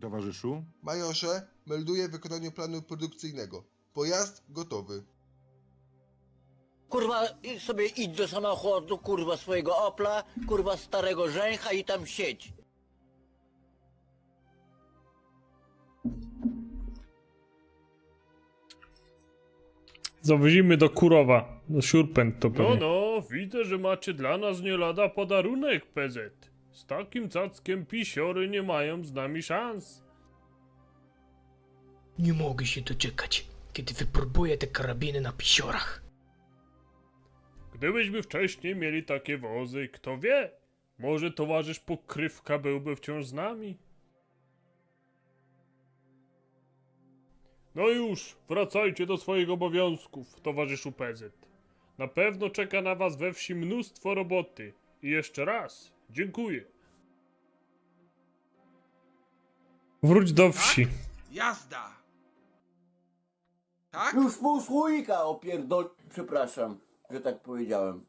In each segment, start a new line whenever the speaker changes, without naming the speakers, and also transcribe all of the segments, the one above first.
towarzyszu?
Majorze, melduję wykonanie planu produkcyjnego. Pojazd gotowy.
Kurwa, sobie idź do samochodu, kurwa, swojego Opla, kurwa, starego żęcha i tam siedź.
Zawozimy do Kurowa, do Siurpęt to
No,
pewnie.
no, widzę, że macie dla nas nie lada podarunek, PZ. Z takim cackiem pisiory nie mają z nami szans.
Nie mogę się doczekać, kiedy wypróbuję te karabiny na pisiorach.
Gdybyśmy wcześniej mieli takie wozy, kto wie, może towarzysz Pokrywka byłby wciąż z nami. No już, wracajcie do swoich obowiązków, towarzyszu PZ. Na pewno czeka na was we wsi mnóstwo roboty. I jeszcze raz, dziękuję.
Wróć do wsi.
Jazda! Tak?
Już pół słoika przepraszam, że tak powiedziałem.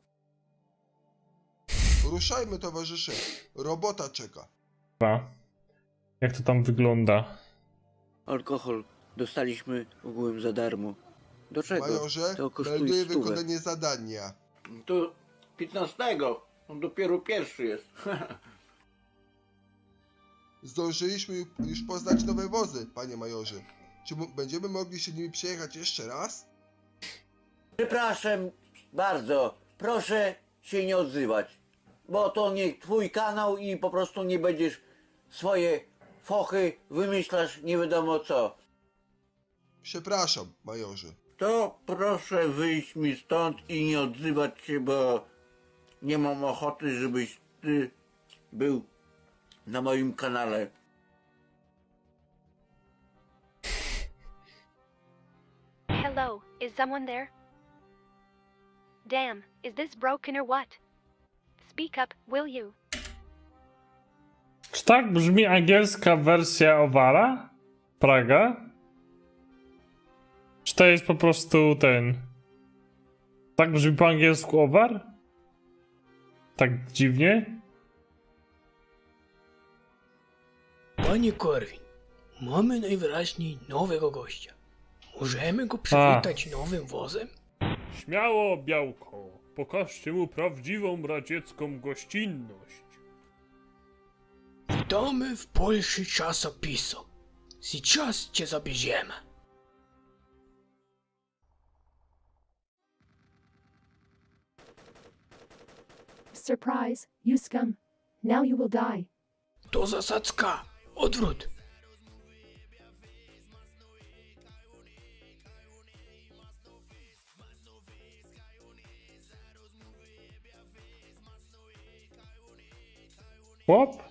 Ruszajmy, towarzysze. Robota czeka.
Jak to tam wygląda?
Alkohol dostaliśmy ogółem za darmo. Do czego?
Majorze,
To kosztuje
melduję
100.
wykonanie zadania.
To 15. On dopiero pierwszy jest.
Zdążyliśmy już poznać nowe wozy, panie majorze. Czy będziemy mogli się nimi przejechać jeszcze raz?
Przepraszam bardzo, proszę się nie odzywać, bo to nie twój kanał i po prostu nie będziesz swoje fochy wymyślasz nie wiadomo co.
Przepraszam, majorze.
To proszę wyjść mi stąd i nie odzywać się, bo nie mam ochoty, żebyś ty był na moim kanale.
Hello, is someone there? Damn, is this broken or what? Speak up, will you?
Czy tak brzmi angielska wersja Owara? Praga? Czy to jest po prostu ten... Tak brzmi po angielsku Owar? Tak dziwnie?
Panie Korwin, mamy najwyraźniej nowego gościa. Możemy go przywitać nowym wozem?
Śmiało, Białko, pokażcie mu prawdziwą radziecką gościnność.
Witamy w Polsce czasopisu. Сейчас cię zabierzemy.
Surprise, you scum. Now you will die.
To zasadzka. Odwrót.
Chłop?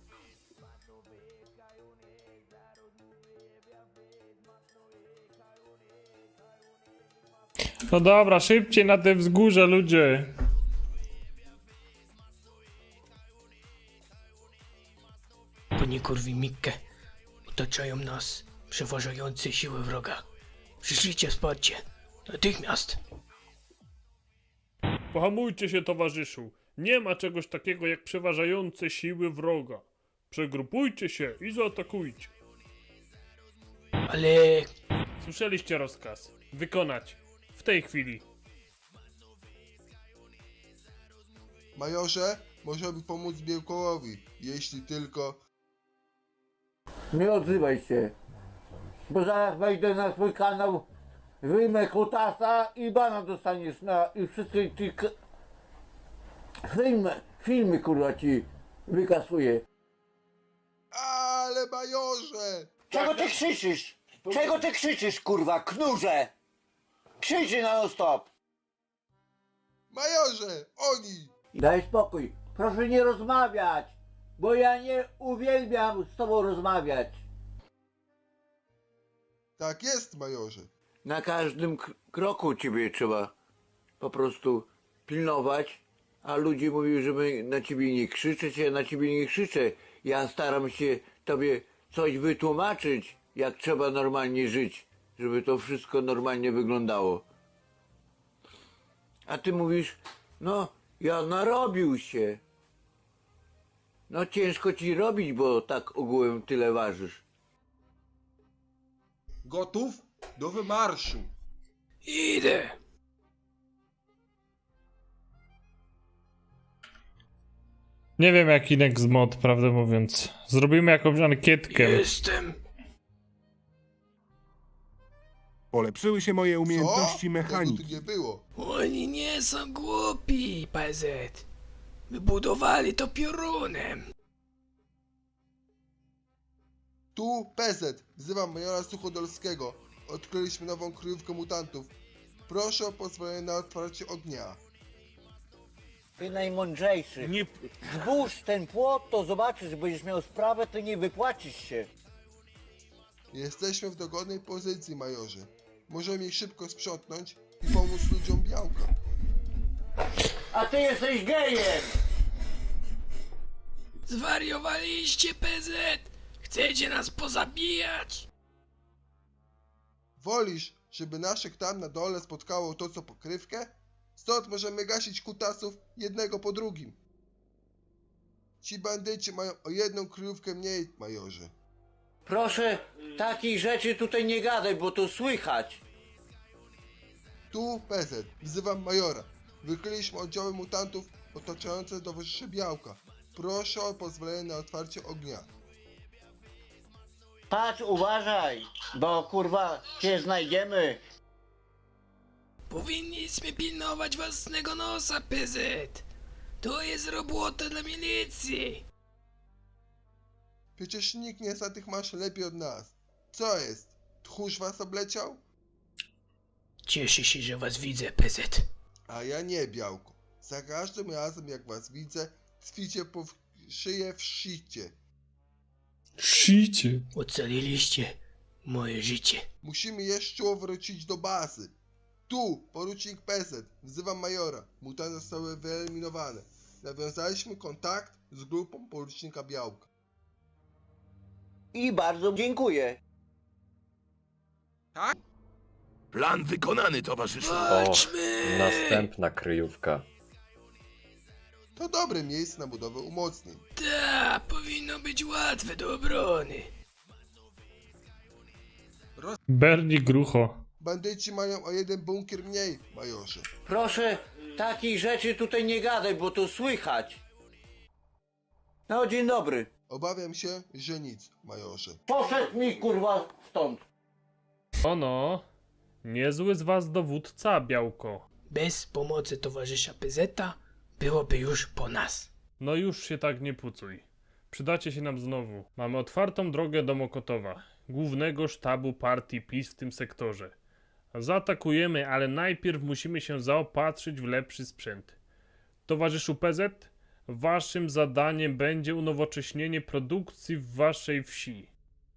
No dobra, szybciej na te wzgórze, ludzie.
Panie Korwin-Mikke, otaczają nas przeważające siły wroga. Przyszlijcie wsparcie. Natychmiast.
Pohamujcie się, towarzyszu. Nie ma czegoś takiego jak przeważające siły wroga. Przegrupujcie się i zaatakujcie.
Ale
Słyszeliście rozkaz. Wykonać. W tej chwili.
Majorze, możemy pomóc Białkołowi, jeśli tylko...
Nie odzywaj się, bo zaraz wejdę na swój kanał, wyjmę kutasa i bana dostaniesz na i wszystkie ci filmy kurwa ci wykasuję.
Ale majorze!
Czego ty krzyczysz? Czego ty krzyczysz, kurwa, knurze? Krzyczy non stop.
Majorze, oni!
Daj spokój, proszę nie rozmawiać, bo ja nie uwielbiam z tobą rozmawiać.
Tak jest, majorze.
Na każdym kroku ciebie trzeba po prostu pilnować, a ludzie mówią, żeby na ciebie nie krzyczeć, ja na ciebie nie krzyczę. Ja staram się tobie coś wytłumaczyć, jak trzeba normalnie żyć, żeby to wszystko normalnie wyglądało. A ty mówisz, no ja narobił się. No ciężko ci robić, bo tak ogółem tyle ważysz.
Gotów? Do wymarszu.
Idę.
Nie wiem jaki next mod, prawdę mówiąc. Zrobimy jakąś ankietkę.
Jestem.
Polepszyły się moje
Co?
umiejętności
Tego
mechaniki.
tu nie było.
Oni nie są głupi, PZ. Wybudowali to piorunem.
Tu PZ. Wzywam majora Suchodolskiego. Odkryliśmy nową kryjówkę mutantów. Proszę o pozwolenie na otwarcie ognia.
Ty najmądrzejszy.
Nie...
Zbóż ten płot, to zobaczysz, będziesz miał sprawę, to nie wypłacisz się.
Jesteśmy w dogodnej pozycji, majorze. Możemy ich szybko sprzątnąć i pomóc ludziom białka.
A ty jesteś gejem!
Zwariowaliście, PZ. Chcecie nas pozabijać?
Wolisz, żeby naszych tam na dole spotkało to co pokrywkę? Stąd możemy gasić kutasów jednego po drugim. Ci bandyci mają o jedną kryjówkę mniej, majorze.
Proszę, takich rzeczy tutaj nie gadaj, bo to słychać.
Tu PZ. Wzywam majora. Wykryliśmy oddziały mutantów otaczające towarzyszy białka. Proszę o pozwolenie na otwarcie ognia.
Patrz, uważaj, bo kurwa cię znajdziemy.
Powinniśmy pilnować własnego nosa, PZ. To jest robota dla milicji.
Przecież nikt nie zna tych maszyn lepiej od nas. Co jest? Tchórz was obleciał?
Cieszę się, że was widzę, PZ.
A ja nie, białko. Za każdym razem jak was widzę, tkwicie po szyję w szycie.
Szyjcie.
Ocaliliście moje życie.
Musimy jeszcze wrócić do bazy. Tu, porucznik PZ, wzywam majora. Mutanty zostały wyeliminowane. Nawiązaliśmy kontakt z grupą porucznika Białka.
I bardzo dziękuję.
Plan wykonany, towarzyszu.
Walczmy!
Następna kryjówka.
To dobre miejsce na budowę umocnień.
Ta, powinno być łatwe do obrony.
Bernie Grucho.
Bandyci mają o jeden bunkier mniej, majorze.
Proszę, takich rzeczy tutaj nie gadaj, bo to słychać. No, dzień dobry.
Obawiam się, że nic, majorze.
Poszedł mi kurwa stąd.
Ono, niezły z was dowódca, Białko.
Bez pomocy towarzysza PZ-a byłoby już po nas.
No już się tak nie pucuj. Przydacie się nam znowu. Mamy otwartą drogę do Mokotowa, głównego sztabu partii PiS w tym sektorze. Zaatakujemy, ale najpierw musimy się zaopatrzyć w lepszy sprzęt. Towarzyszu PZ, waszym zadaniem będzie unowocześnienie produkcji w waszej wsi.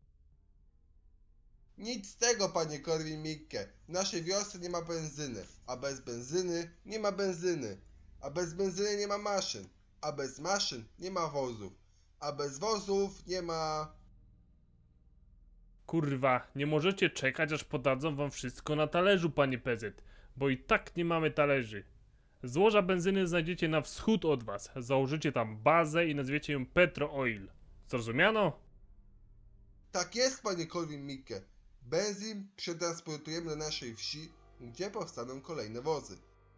Nic z tego, panie Korwin-Mikke. W naszej wiosce nie ma benzyny, a bez benzyny nie ma benzyny, a bez benzyny nie ma maszyn, a bez maszyn nie ma wozów, a bez wozów nie ma...
Kurwa, nie możecie czekać, aż podadzą wam wszystko na talerzu, panie PZ, bo i tak nie mamy talerzy. Złoża benzyny znajdziecie na wschód od was. Założycie tam bazę i nazwiecie ją Petro Oil. Zrozumiano?
Tak jest, panie Korwin-Mikke. Benzyn przetransportujemy do naszej wsi, gdzie powstaną kolejne wozy.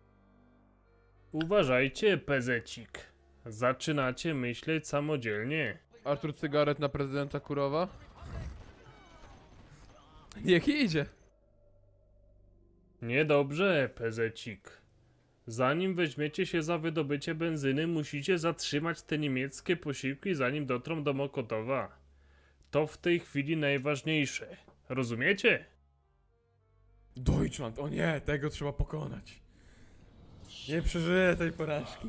Uważajcie, PZ-cik. Zaczynacie myśleć samodzielnie.
Artur Cygaret na prezydenta Kurowa? Niech idzie.
Niedobrze, PZ-cik. Zanim weźmiecie się za wydobycie benzyny, musicie zatrzymać te niemieckie posiłki, zanim dotrą do Mokotowa. To w tej chwili najważniejsze. Rozumiecie?
Deutschland, o nie, tego trzeba pokonać. Nie przeżyję tej porażki.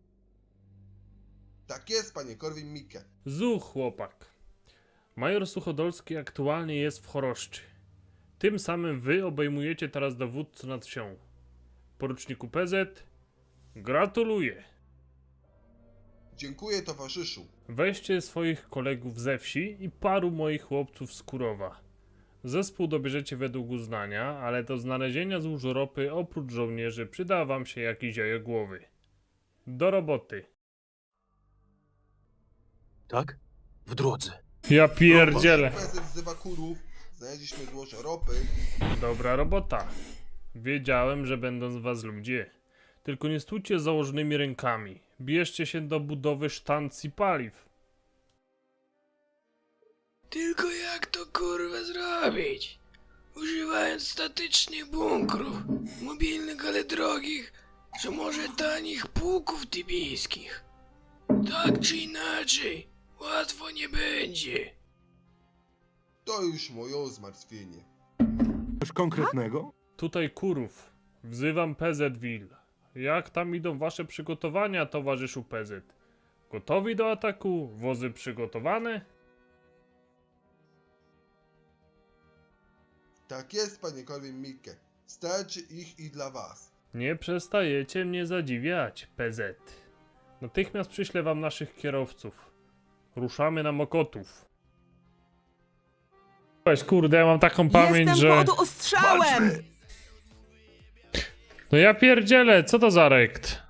Tak jest, panie Korwin-Mikke.
Zuch, chłopak. Major Suchodolski aktualnie jest w Choroszczy. Tym samym wy obejmujecie teraz dowódcę nad wsią. Poruczniku PZ, gratuluję.
Dziękuję, towarzyszu.
Weźcie swoich kolegów ze wsi i paru moich chłopców z Kurowa. Zespół dobierzecie według uznania, ale do znalezienia złóż ropy oprócz żołnierzy przyda wam się jakiś jajogłowy. Do roboty.
Tak? W drodze.
Ja pierdzielę.
PZ wzywa kurów, znaleźliśmy złoże ropy,
Dobra robota. Wiedziałem, że będą z was ludzie. Tylko nie stójcie z założonymi rękami. Bierzcie się do budowy sztancji paliw.
Tylko jak to kurwa zrobić? Używając statycznych bunkrów, mobilnych ale drogich, czy może tanich pułków tybijskich. Tak czy inaczej, łatwo nie będzie.
to już moje zmartwienie.
Coś konkretnego?
Tutaj Kurów. Wzywam PZWill. Jak tam idą wasze przygotowania, towarzyszu PZ? Gotowi do ataku? Wozy przygotowane?
Tak jest, panie Korwin-Mikke. Starczy ich i dla was.
Nie przestajecie mnie zadziwiać, PZ. Natychmiast przyślę wam naszych kierowców. Ruszamy na Mokotów.
Weź, kurde, ja mam taką pamięć, że...
Walczmy!
No ja pierdzielę, co to za rekt?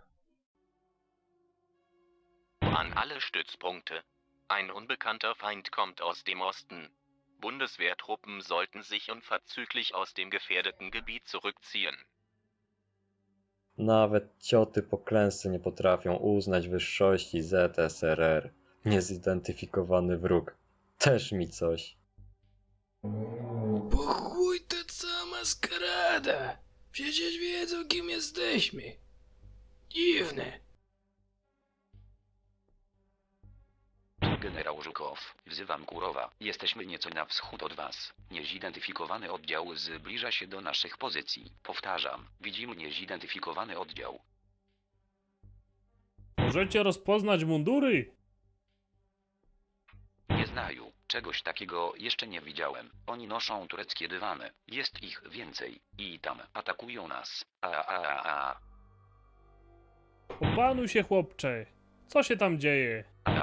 An alle Stützpunkte. Ein unbekannter Feind kommt aus dem Osten. Bundeswehrtruppen sollten sich unverzüglich aus dem gefährdeten Gebiet zurückziehen.
Nawet cioty po klęsce nie potrafią uznać wyższości ZSRR. Niezidentyfikowany wróg. Też mi coś.
Po chuj ta cała maskarada. Przecież wiedzą, kim jesteśmy. Dziwne.
Generał Żukow, wzywam Kurowa. Jesteśmy nieco na wschód od was. Niezidentyfikowany oddział zbliża się do naszych pozycji. Powtarzam, widzimy niezidentyfikowany oddział.
Możecie rozpoznać mundury?
Nie znają. Czegoś takiego jeszcze nie widziałem. Oni noszą tureckie dywany. Jest ich więcej. I tam atakują nas.
Opanuj się, chłopcze. Co się tam dzieje?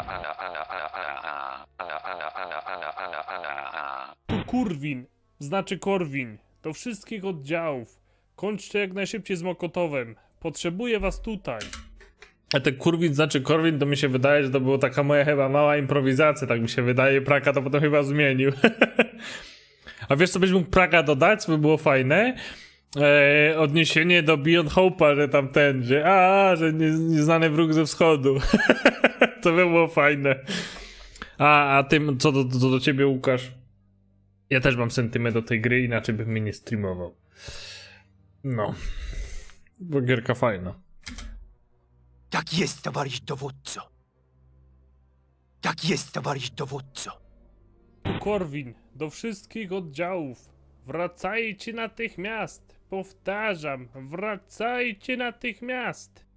Tu Kurwin, znaczy Korwin. Do wszystkich oddziałów. Kończcie jak najszybciej z Mokotowem. Potrzebuję was tutaj. A ten Kurwin znaczy Korwin, to mi się wydaje, że to była taka moja chyba mała improwizacja, tak mi się wydaje. Praka to potem chyba zmienił. A wiesz co byś mógł Praka dodać, co by było fajne? Odniesienie do Beyond Hope'a, że tam ten, że nieznany wróg ze wschodu. To by było fajne. A tym, co do ciebie, Łukasz? Ja też mam sentyment do tej gry, inaczej bym mnie nie streamował. No. Bo gierka fajna.
Tak jest, towarzysz dowódco. Tak jest, towarzysz dowódco.
Tu Korwin, do wszystkich oddziałów. Wracajcie natychmiast. Powtarzam, wracajcie natychmiast.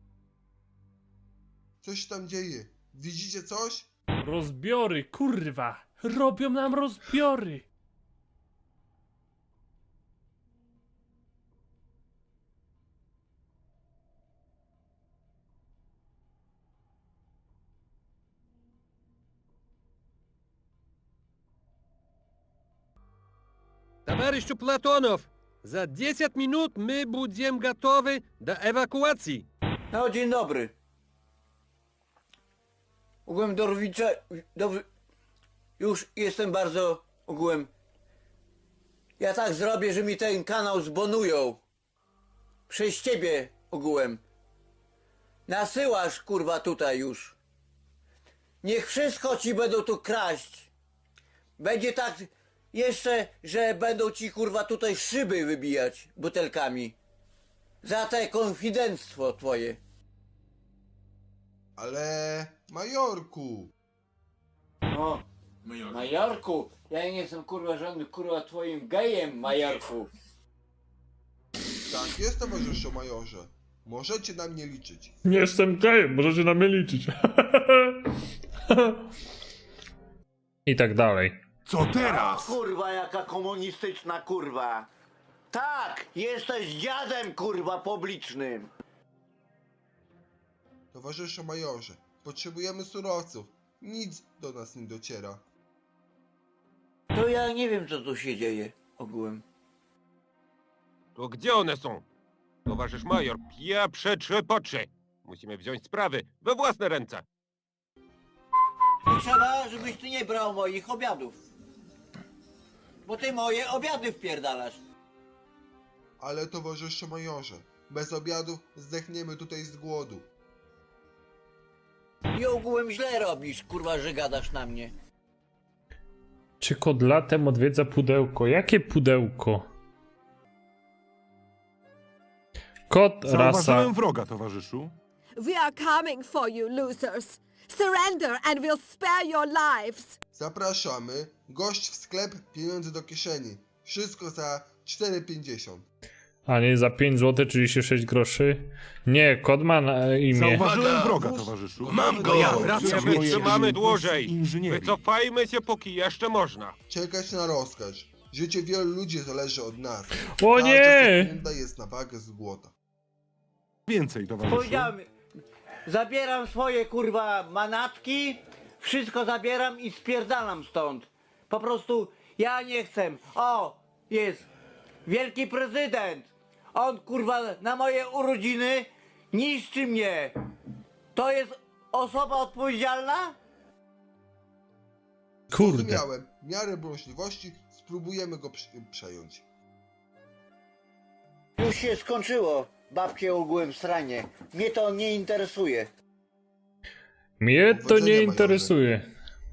Co się tam dzieje? Widzicie coś?
Rozbiory, kurwa. Robią nam rozbiory.
Товарищу Платонов, за 10 минут мы будем готовы до эвакуации.
No, dzień dobry. Ogółem już jestem bardzo ogółem. Ja tak zrobię, że mi ten kanał zbonują. Przez ciebie ogółem. Nasyłasz kurwa tutaj już. Niech wszystko ci będą tu kraść. Będzie tak jeszcze, że będą ci kurwa tutaj szyby wybijać butelkami. Za te konfidenctwo twoje.
Ale... Majorku!
No, Majorku, ja nie jestem kurwa żadnym kurwa twoim gejem, Majorku.
Tak jest, towarzyszu majorze. Możecie na mnie liczyć.
Nie jestem gejem, możecie na mnie liczyć. I tak dalej.
Co teraz?
Kurwa, jaka komunistyczna kurwa. Tak, jesteś dziadem kurwa publicznym.
Towarzyszu majorze, potrzebujemy surowców. Nic do nas nie dociera.
To ja nie wiem, co tu się dzieje ogółem.
To gdzie one są? Towarzysz major, pieprze trzepocze. Musimy wziąć sprawy we własne ręce.
Trzeba, żebyś ty nie brał moich obiadów. bo ty moje obiady wpierdalasz.
Ale towarzyszu majorze, bez obiadów zdechniemy tutaj z głodu.
I ogółem źle robisz, kurwa, że gadasz na mnie.
Czy kod latem odwiedza pudełko? Jakie pudełko? Kod, rasa.
Zauważyłem wroga, towarzyszu.
We are coming for you, losers. Surrender and we'll spare your lives.
Zapraszamy, gość w sklep, pieniądze do kieszeni. Wszystko za 4,50.
A nie za 5 zł 36 groszy? Nie, kod ma na imię.
Zauważyłem wroga, towarzyszu.
Mam go!
Ja
Nie
wracam do
wytrzymamy dłużej!
inżynierii.
Wycofajmy się, póki jeszcze można.
Czekać na rozkaz. Życie wielu ludzi zależy od nas.
O
Każda
nie!
sekunda jest na wagę złota.
Więcej, towarzyszu.
Powiedziałem, zabieram swoje, kurwa, manatki, wszystko zabieram i spierdalam stąd. Po prostu ja nie chcę. O, jest wielki prezydent. On, kurwa, na moje urodziny niszczy mnie. To jest osoba odpowiedzialna?
Kurde.
Zrozumiałem. W miarę możliwości spróbujemy go przejąć.
Już się skończyło, babcie ogółem sranie. Mnie to nie interesuje.
Mnie to
Powodzenia,
nie
majorze.
interesuje.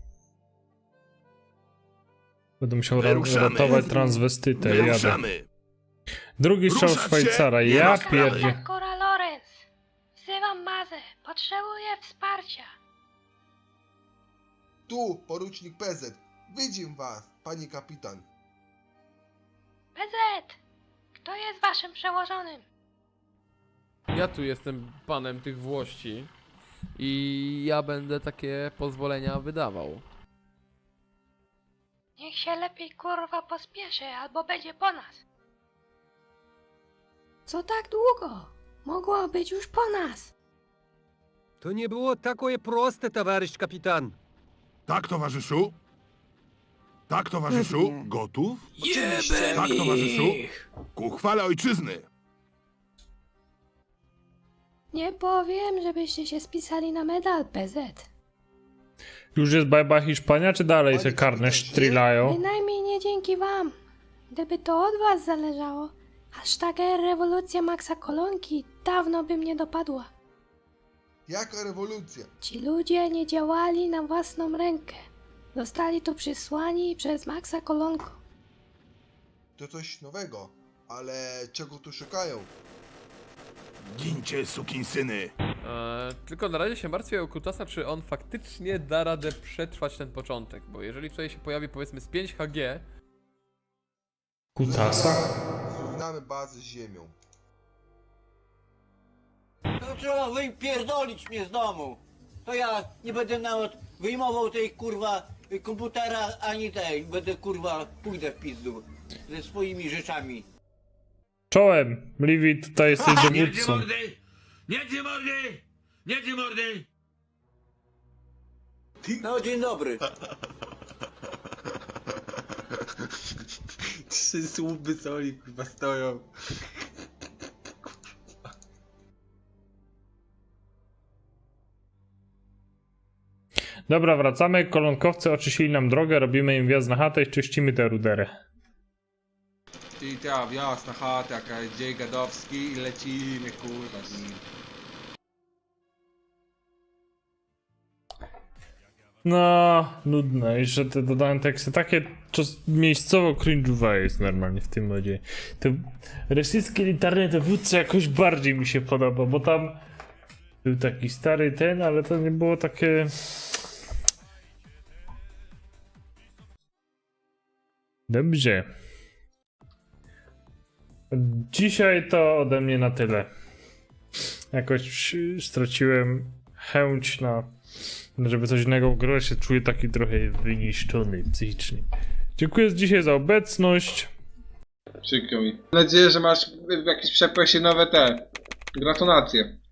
Będę musiał ratować transwestytę. Jadę. Drugi strzał
Ruszać się!
Szwajcara.
Nie
Ja
rozprawiaj.
pierdzie.
Cora Lorenz. Wzywam Mazę. Potrzebuję wsparcia.
Tu, porucznik PZ. Widzim was, pani kapitan.
PZ. Kto jest waszym przełożonym?
Ja tu jestem panem tych włości i ja będę takie pozwolenia wydawał.
Niech się lepiej kurwa pospieszy, albo będzie po nas. Co tak długo? Mogło być już po nas.
To nie było takie proste, towarzysz kapitan.
Tak, towarzyszu? Tak, towarzyszu? Gotów?
Jebem
Tak, towarzyszu?
ich!
Ku chwale ojczyzny.
Nie powiem, żebyście się spisali na medal, PZ.
Już jest bajba Hiszpania, czy dalej te karne sztrilają?
Bynajmniej nie dzięki wam. Gdyby to od was zależało, aż taka rewolucja Maxa Kolonki dawno by mnie dopadła.
Jaka rewolucja?
Ci ludzie nie działali na własną rękę. Zostali tu przysłani przez Maxa Kolonko.
To coś nowego. Ale czego tu szukają?
Gincie, sukinsyny.
Tylko na razie się martwię o Kutasa, czy on faktycznie da radę przetrwać ten początek, bo jeżeli tutaj się pojawi powiedzmy z 5 HG,
Kutasa?
Zrównamy bazę z ziemią.
To trzeba wypierdolić mnie z domu. To ja nie będę nawet wyjmował tej kurwa komputera ani tej. Będę kurwa, pójdę w pizdu ze swoimi rzeczami.
Czołem, Livi, tutaj jesteś dowódcą.
Nie ty mordy!
No dzień dobry.
3 słupy soli kurwa stoją.
Dobra, wracamy. Kolonkowcy oczyścili nam drogę, robimy im wjazd na chatę i czyścimy tę ruderę.
I ta wjazd na chatę, jaka jest dzień gadowski i lecimy kurwa z nim.
No, nudne. Jeszcze te dodane teksty takie miejscowo cringe'owe jest normalnie w tym modzie. To rosyjskie elitarne dowódcy jakoś bardziej mi się podoba, bo tam był taki stary ten, ale to nie było takie... Dobrze. Dzisiaj to ode mnie na tyle. Jakoś straciłem chęć na... żeby coś innego grać, się czuję taki trochę wyniszczony psychicznie. Dziękuję dzisiaj za obecność.
Przykro mi. Mam nadzieję, że masz jakieś przeprosie nowe te gratulacje.